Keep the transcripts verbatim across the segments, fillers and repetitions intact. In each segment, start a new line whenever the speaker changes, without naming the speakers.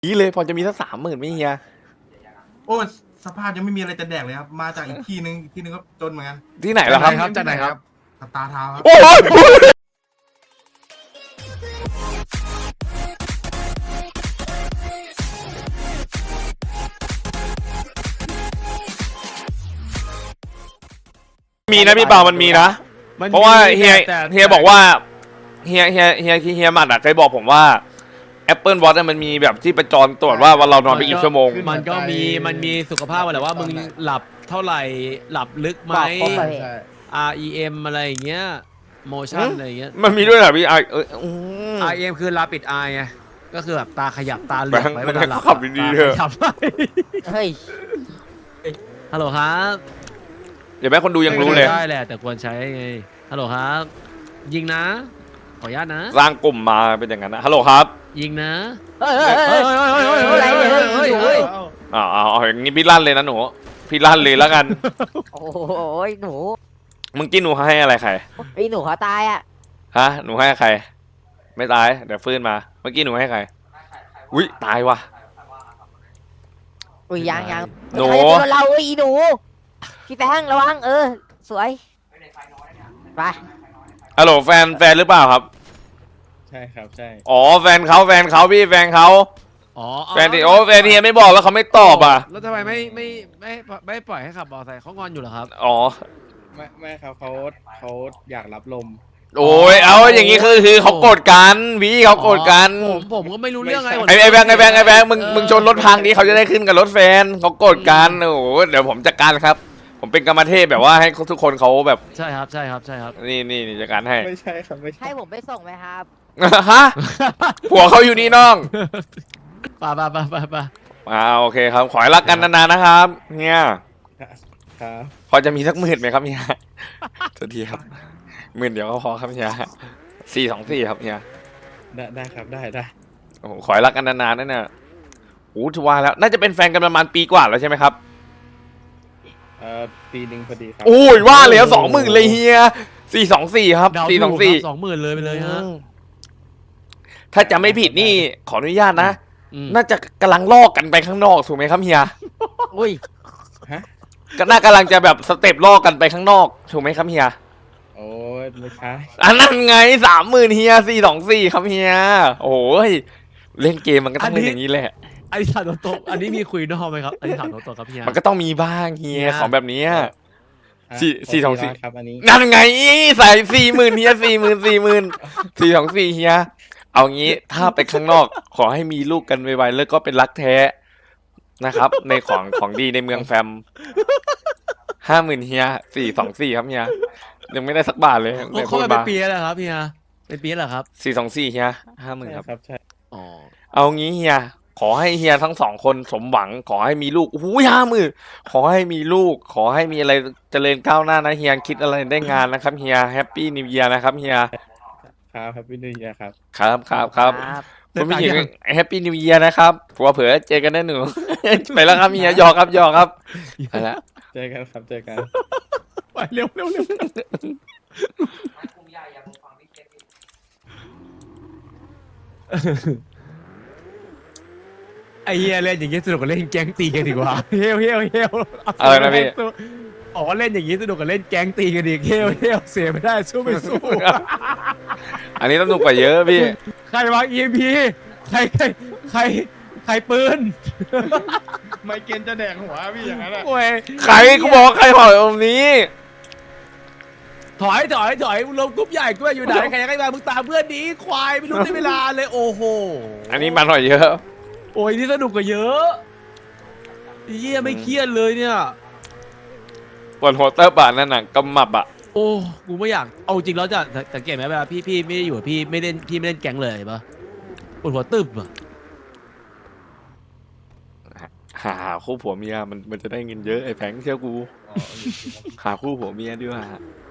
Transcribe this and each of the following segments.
นี่เลยพอจะมีสักสามหมื่นไหมเฮีย
โอ้สภาพยังไม่มีอะไรจะแดกเลยครับมาจากอีกที่นึงอีกที่นึงก็จนเหมือนกัน
ที่ไหนล่ะครับ
จากไหนครับสตาร์ทาวครับ
โอ้ยมีนะพี่เปามันมีนะเพราะว่าเฮียเฮียบอกว่าเฮียเฮียเฮียเฮียหมัดอะเคยบอกผมว่า Apple Watch มันมีแบบที่ประจรตรวจว่าวันเรานอนไปกี่ชั่วโมง
มันก็มีมันมีสุขภาพอะไรว่ามึงหลับเท่าไหร่หลับลึกไหม อาร์ อี เอ็ม อะไรอย่างเงี้ย motion อะไรอย่างเงี้ย
มันมีด้วยเหรอพี่ไอเออ
อาร์ อี เอ็ม คือ rapid eye ไงก็คือแบบตาขยับตาเหลือกไว้เวลาหลับ
ขับดีๆเถอะ
เฮ้ย
ฮัลโหลครับ
เดี๋ยวแม่คนดูยังรู้เลย
ได้แหละแต่ควรใช้ไงฮัลโหลครับ ยิงนะ ขออนุญาตนะ
สร้างกลุ่มมาเป็นอย่างนั้นนะฮัลโหลครับ
ยิงนะ
เฮ้ยเฮ้ยเฮ้ยอะไรเนี่ยเฮ้ยเฮ้ย
อ๋อเอาอย่างงี้พี่ลั่นเลยนะหนูพี่ลั่นเลยแล้วกัน
โอ้ยหนู
มึงกินหนูให้อะไรใคร
ไอ้หนูเขาตายอ่ะ
ฮะหนูให้ใครไม่ตายเดี๋ยวฟื้นมาเมื่อกี้หนูให้ใครอุ้ยตายว่ะ
อุ้ยยังยัง
หนู
เราไอ้หนูพี่แป้งระวังเออสวยไป
ฮัลโหลแฟนแฟนหรือเปล่าครับ
ใช่ครับใช่
อ๋อแฟนเขาแฟนเขาพี่แฟนเขา
อ๋อ
แฟนที่โอ้แฟนเฮียไม่บอกแล้วเขาไม่ตอบอ่ะ
แล้วทำไมไม่ไม่ไม่ไม่ปล่อยให้ขับมอเตอร์ไซค์เขางอนอยู่เหรอครับ
อ๋อ
ไม่ไม่ครับเขาเขาอยากรับลม
โอ้ยเอาอย่างงี้คือคือเขาโกรธกันพี่เขาโกรธกัน
ผมผมก็ไม่รู้เรื่องอะไร
ไอ้ไอ้แบงค์ไอ้แบงค์ไอ้แบงค์มึงมึงชนรถพังนี้เขาจะได้ขึ้นกับรถแฟนเขาโกรธกันโอ้โหเดี๋ยวผมจัดการครับ ผมเป็นกรรมเทพแบบว่าให้ทุกคนเขาแบบ
ใช่ครับใช่ครับใช่ครับ
นี่นี่นี่จัดการให้
ไม่ใช่ครับไม่ใช่
ให้ผมไปส่งไหมครับ
ฮะผัวเขาอยู่นี่น้อง
ป่าป่าป่าป่าป่า
อ่าโอเคครับขอให้รักกันนานๆนะครับเฮีย
ครับ
พอจะมีสักหมื่นไหมครับเฮียสวัสดีครับหมื่นเดียวก็พอครับเฮียสี่สองสี่ครับเฮีย
ได้ได้ครับได้ได้
โอ้โหขอให้รักกันนานๆนั่นน่ะโอ้ถือว่าแล้วน่าจะเป็นแฟนกันประมาณปีกว่าแล้วใช่ไหมครับ
เอ่อปีหนึ่งพอดีครับ
โอ้ยว่าแล้วสองหมื่นเลยเฮียสี่สองสี่ครับ
เดา
สี่ส
ถู
อง
ก
สี่
สองหมื่นเลยไปเลยฮะ
ถ้าจะไม่ผิดนี่ขออนุญาตนะ
อืม
น่าจะกำลังลอกกันไปข้างนอกถูกไหมครับเฮีย
อุ้ย
ฮะ
ก็น่ากำลังจะแบบสเต็ปลอกกันไปข้างนอกถูกไหมครับเฮีย
โอ้ยไม่ใช่
อันนั้นไงสามหมื่นเฮียสี่สองสี่ครับเฮียโอ้ยเล่นเกมมันก็ต้องเล่นอย่างนี้แหละ
อันนี้ถามตรงๆอันนี้มีคุยนอกไหมครับอันนี้ถามตรงๆครับพี่ฮะ
มันก็ต้องมีบ้างเฮีย
เฮีย
ของแบบเนี้ย
ฮะ
สี่
ข
สี่สองสี่
ร้านครับอันนี้
นั่นไงใส่สี่หมื่นเฮียสี่หมื่นสี่หมื่นสี่สองสี่เฮียเอางี้ถ้าไปข้างนอก ขอให้มีลูกกันไวๆแล้วก็เป็นรักแท้นะครับ ในของของดีในเมืองแฟมห้าหมื่นเฮียสี่สองสี่ครับเฮียยังไม่ได้สักบาทเลย
โอ้เขาเป็นปีแล้วครับพี่ฮะเป็นปีแล้วครับ
สี่สองสี่เฮียห้าหมื่นครับ
ครับใช่
อ๋อ
เอางี้เฮียขอให้เฮียทั้งสองคนสมหวัง ขอให้มีลูกโอ้โหห้าหมื่นขอให้มีลูก ขอให้มีอะไรเจริญก้าวหน้านะเฮียคิดอะไรได้งานนะครับเฮียแฮปปี้นิวเยียร์นะครับเฮีย
ครับครับพี่นุ่ยครับ
ครับครับครับคุณผู้หญิงแฮปปี้นิวเยียร์นะครับผัวเผลอเจอกันแน่หนู ไปแล้วครับเฮียหยอกครับหยอกครับไปแล้ว
เจอกันครับเจอกัน
ไปเร็วเร็วเร็วไอ้เฮียเล่นอย่างงี้สนุกกว่าเล่นแก๊งตีกันดีกว่าเฮลเฮลเฮล
อะไรนะพี่
บอกว่าเล่นอย่างงี้สนุกกว่าเล่นแก๊งตีกันดีเฮลเฮลเสียไม่ได้สู้ไม่สู้
อันนี้ต้องดูกว่าเยอะพี่
ใครวาง อี เอ็ม พี ใครใครใครใครปืน
ไม่เกณฑ์จะแดกหัวพี่อย่างนั้นอะ
โอ้ย
ใครกูบอกว่าใครหอยองค์นี้
ถอยถอยถอยลงกรุ๊ปใหญ่กูอยู่ไหนใครใครมามึงตามเพื่อนดีควายไม่รู้ได้เวลาเลยโอ้โห
อันนี้มันหอยเยอะ
โอ้ยนี่สนุกกว่าเยอะเยี่ยไม่เครียดเลยเนี่ย
ปวดหัวเตอร์บานั่นน่ะกำมับอ่ะ
โอ้กูไม่อยากเอาจริงแล้วจะสังเกตไหมเวลาพี่พี่ไม่ได้อยู่พี่ไม่เล่นพี่ไม่เล่นแก๊งเลยปะปวดหัวตึบอะ
หาคู่ผัวเมียมันมันจะได้เงินเยอะไอ้แพงเชื่อกูหาคู่ผัวเมียดีกว่า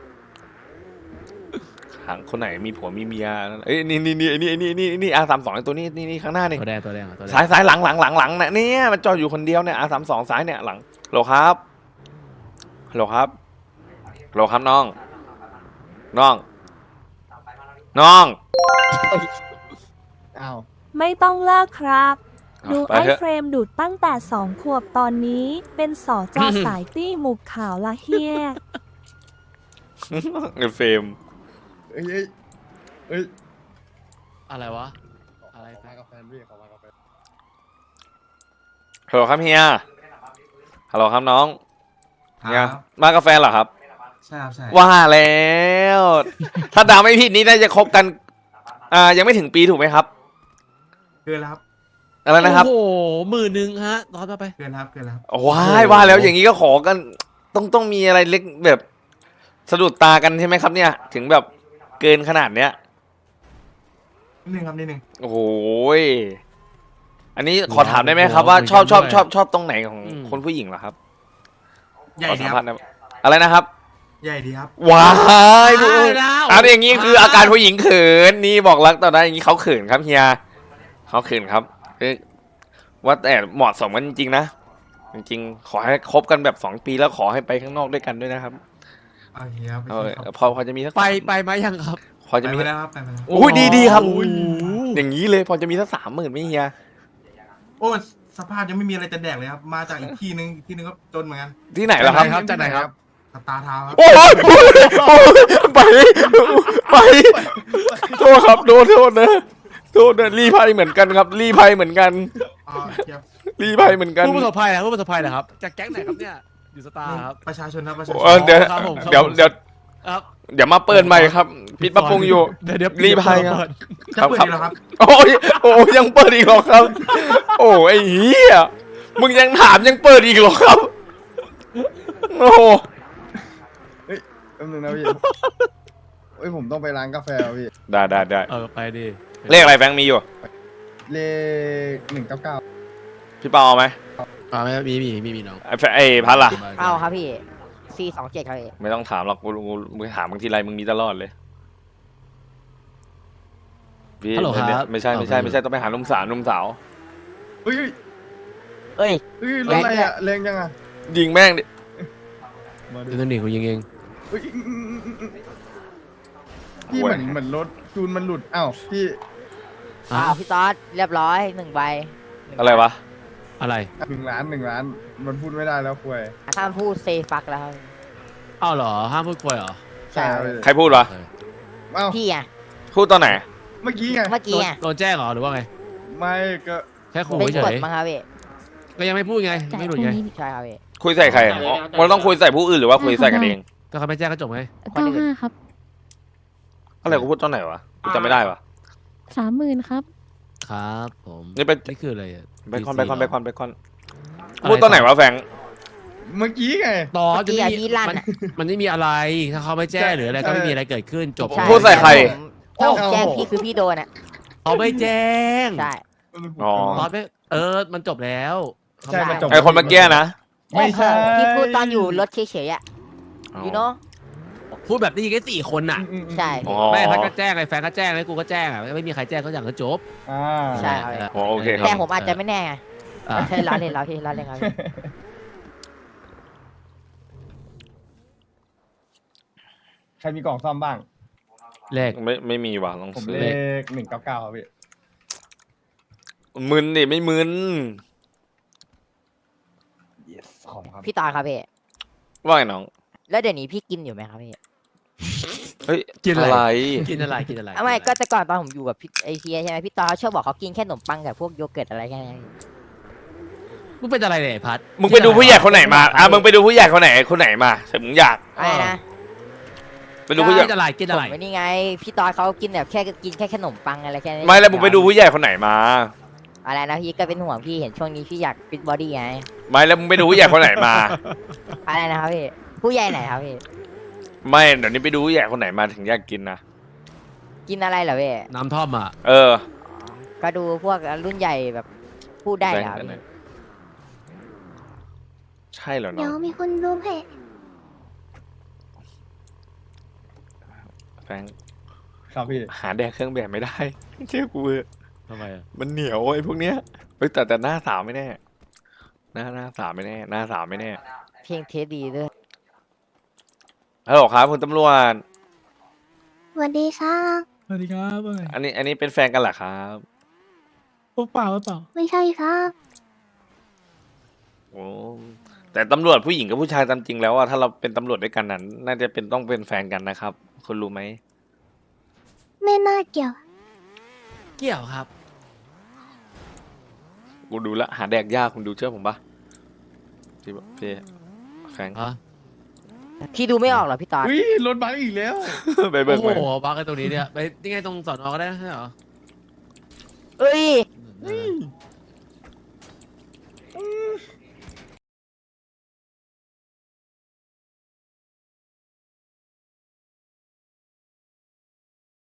หาคนไหนมีผัวมีเมียเอ้ยนี่นี่นี่นี่นี่นี่นี่อาสามสองไอ้ตัวนี้นี่นี่ข้างหน้านี่
ตัวแดงตัวแดงตัวแดง
ซ้ายซ้ายหลังหลังหลังหลังเนี่ยเนี่ยมันจอดอยู่คนเดียวเนี่ยอาสามสองซ้ายเนี่ยหลังโหลครับโหลครับโหลครับน้องน้องน้อง
อ้าว
ไม่ต้องเลิกครับดู
ไป
ไอ้
เถอะ
เฟรมดูดตั้งแต่สองขวบตอนนี้เป็นสอจอสายตี้หมุกขาวละเฮีย
เงินเฟรม
เอ้ยเอ้ยเอ้ย
อะไรวะ อะไร
ขอมากับแฟนพี่ขอมากับแฟน
ฮัลโหลครับเฮียฮัลโหลครับน้อง
ค
เฮีย
รับ
มากาแฟเหรอครับ
ใช่ครับใช่
ว่าแล้ว ถ้าดาวไม่ผิดนี่น่าจะคบกัน อ่า ยังไม่ถึงปีถูกไหมครับ
เกินแล้วครับ
อะไรนะครับ
โอ้โหหมื่นหนึ่งฮะตอนต่อไป
เกินแล้วครับเกินแล้วครับ
ว้ายว่าแล้วอย่างนี้ก็ขอกัน ต้องต้องมีอะไรเล็กแบบสะดุดตากันใช่ไหมครับเนี่ย ถึงแบบเกินขนาดเนี้ย
นิดนึงครับนิดนึง
โอ้โหยอันนี้ขอถามได้ไหมครับว่าชอบชอบชอบชอบตรงไหนของคนผู้หญิงเหรอครับ
ใหญ่
ขอ
ดี
สัม
ค
ภา
รั
ษ
บ
ณ์ได้ไหมอะไรนะครับ
ใหญ่ดีครับ
ว้าย
ได้แล้ว
อันอย่างนี้คืออาการผู้หญิงเขินนี่บอกรักต่อได้อย่างนี้เขาเขินครับเฮียเขาเขินครับเอ้ยว่าแต่เหมาะสมกันจริงๆนะจริงๆขอให้คบกันแบบสองปีแล้วขอให้ไปข้างนอกด้วยกันด้วยนะครับ
โอเคครับ
เอ
โอ
อ
เคครับ
พอพอจะมีสัก
ไปไปไหมยังครับ
พอ
ไป
จะมี
มาแล้วครับไปมาแล้ว
โอ้ยดีดีครับ
โอ้ย
อย่างนี้เลยพอจะมีสักสามหมื่นไหม่เฮีย
โอ้สภาพยังไม่มีอะไรจะแดกเลยครับ มาจากอีกที่นึงอีกที่นึงก็จนเหมือนกัน
ที่ไหนล่ะครับ
ครับจากไหนครับ
สตาร์ทาวน์ครับ
โอ้ยโอ้ยโอ้ยไปไปโทษครับโดนโทษนะโทษนะรีภัยเหมือนกันครับ รีภัยเหมือนกัน
อ๋อเทียบ
รีภัยเหมือนกัน
ผู้ประสบภัยนะผู้ประสบภัยนะครับ จากแก๊งไหนครับเนี่ย อยู่สตาร์ครับ
ประชาชนครับประชาช
เออน เดี๋ยว
ครับผมครับ
เดี๋ยวเดี๋ยว
ครับ
เดี๋ยวมาเปิดใหม่ครับปิดปรับปรุงอยู่
เดี๋ยวเดี๋ยว
รีภัยครับ
เปิด
จะเปิดอีกแล้วครับ
โอ้ยโอ้ยยังเปิดอีกเหรอครับ โอ้ยไอ้เหี้ยมึงยังถามยังเปิดอีกเหรอครับโอ้โห
แป๊บนึงนะพี่เอ้ยผมต้องไปร้านกาแฟอะพี่
ได้ได้ได้
เออไปดิ
เลขอะไรแฟงมีอยู่
เลขหนึ่งเก้าเก้า
พี่เปาเอาไหม
อ่าไม่มีมีมีมีน้อง
ไอ้แฟไอ้พัดล่ะ
เอาครับพี่ซีสองเจ็ดครับพี่
ไม่ต้องถามหรอกกูกูมึงถามบางทีไรมึงมีตลอดเลยพี่
ฮัลโหลครับ
ไม่ใช่ไม่ใช่ไม่ใช่ต้องไปหานุ่มสาวนุ่มสาว
เฮ้ย
เอ้ย
เฮ้ยรถอะไรอะแรงจังอะ
ยิงแม่งดิ
มาดู
เดี๋ยวต้องหนีกูยิงเอง
เฮ้ยอืมอืมอืมอืมพี่เหมือนเหมือนรถจูนมันหลุดอ้าวพี่
อ้าวพี่ต๊อดเรียบร้อยหนึ่งใบ
อะไรวะ
อะไร
หนึ่งล้านหนึ่งล้านมันพูดไม่ได้แล้วคุย
ห้ามพูดเซฟักแล้วครับ
อ้าวเหรอห้ามพูดคุยเหรอ
ใช่
ครับพี่
ใครพูดวะ
อ้าว
พี่อ่ะ
พูดตอนไหน
เมื่อกี้ไง
เมื่อกี้อ่ะ
โดนแจ้งเหรอหรือว่าไง
ไม่ก็
แค่ขู่
เป็น
เฉ
กฎ
ย
มั้งครับพี่
ๆก็ยังไม่พูดไงไม่หลุดไง
ใช่ครับพี่
คุยใส่ใครอ๋อมันต้องคุยใส่ผู้อื่นหรือว่าคุยใส่กันเอง
ก็เขาไม่แจ้งก็จบไง
คน
เก้า
อื่น
ห้าครับ
อะไรกูพูดตอนไหนวะกูจำไม่ได้วะ
สามหมื่นครับ
ครับผม
นี่เป็น
นี่คืออะไรอะ
ไปคอนไปคอนไปคอนไปคอน
อะไร
พูดตอนไหนวะแฟง
เมื่อกี้ไง
ต่อ
เมื่อ
จะ
กี้
ไม่
อ่ะ
มี
พี่ลั่น
มัน
อ่ะ
มันไม่มีอะไรถ้าเขาไม่แจ้งหรืออะไรก็ไม่มีอะไรเกิดขึ้นจบ
ใช่
พูดใส่ใคร
ถ้าผมแจ้งพี่คือพี่โดนอ่ะ
เขาไม่แจ้ง
ใช่
อ๋อ
ตอนไม่เออมันจบแล้ว
ใช่มันจบ
ไอคนเมื่อกี้นะ
ไม่ใช่
พี่พูดตอนอยู่รถเฉยๆอ่ะยูโน่
พูดแบบนี้แค่สี่คนน่ะ
อืมอืม
ใช่
อ๋อ
แม่พัดก็แจ้งไอ้แฟนก็แจ้งไอ้กูก็แจ้งอ่ะไม่มีใครแจ้งก็อย่างก็จบ
อ่า
ใช่ครับ
อ๋อโอเคครับ
แต่ผมอาจจะไม่แน่ไง
อ่ะ
ใช่ล้อเล่นล้อเล่นล้อเล่นครับพี่
ใครมีกล่องซ่อมบ้าง
เลข
ไม่ไม่มีว่ะลอง
ผม
ซื้อ
เลขหนึ่งเก้าเก้าครับพี่
มึนดิไม่มึน
yes ของครับ
พี่ตอนครับพี่
ว่าไงน้อง
แล้วเดี๋ยวนี้พี่กินอยู่ไหมครับพี่
เฮ้ย
กินอะไร
อะไร
กินอะไรกินอะไร
เอาไม่ก็แต่ก่อนตอนผมอยู่กับพี่ไอเทียใช่ไหมพี่ตอนเขาชอบบอกเขากินแค่ขนมปังกับพวกโยเกิร์ตอะไรแค่นั้น
มึงเป็นอะไรเนี่ยไอ้พัด
มึงไปดูผู้ใหญ่คนไหนมาอ่ะมึงไปดูผู้ใหญ่คนไหนคนไหนมาแต่มึงอยาก
อะไรนะ
ไปดูผู้ใหญ่
กินอะไรกินอะไร
ผมไม่นี่ไง พี่ตอนเขากินแบบแค่กินแค่ขนมปังอะไรแค่นี้
ไม่แล้วมึงไปดูผู้ใหญ่คนไหนมา
อะไรนะพี่ก็เป็นห่วงพี่เห็นช่วงนี้พี่อยากฟิตบอดี้ไง
ไม่แล้วมึงไปดูผู้ใหญ่คนไหนมา
อะไรนะครับพี่ผู้ใหญ่ไหนครับพี่
ไม่เดี๋ยวนี้ไปดูผู้ใหญ่คนไหนมาถึงอยากกินนะ
กินอะไรเหรอพี่
น้ำท่อมอ่ะ
เออ
ก็ดูพวกรุ่นใหญ่แบบพูดได้เหรอพี่
ใช่เหรอน้
เดี๋ย
อ
ว
ง
มีคนรู้เพจ
แฟง
ครับพี่
หาแดกเครื่องแบบไม่ได้ เชื่อกูเถอะ
ทำไมอ่ะ
มันเหนียวไอ้พวกเนี้ยเฮ้ยแต่แต่หน้าสาวไม่แน่หน้าหน้าสาวไม่แน่หน้าสาวไม่แน่
เพลงเทสดีด้วย
ฮัลโหลครับคุณตำรวจ
สวัสดีค่ะ
สวัสดีครับว่าไง
อันนี้อันนี้เป็นแฟนกันเหรอครับ
เปล่าเปล่า
ไม่ใช่ครับ
โอ้แต่ตำรวจผู้หญิงกับผู้ชายตามจริงแล้วอะถ้าเราเป็นตำรวจด้วยกันนั้นน่าจะเป็นต้องเป็นแฟนกันนะครับ คุณรู้ไหม
ไม่น่าเกี่ยว
เกี่ยวครับ
กูดูแลวหาแดกยากคุณดูเชื่อผมปะพี่พี่แฟง
ฮะ
พี่ดูไม่ออกเหรอพี่ตอน
อุ้ยรถบัสอีกแล้ว
ไปเบิก
โอ้
มา
โหบักกันตรงนี้เนี่ยไปยังไงตรงสอนอก็ได้ใช่เหรอ
เอ้ย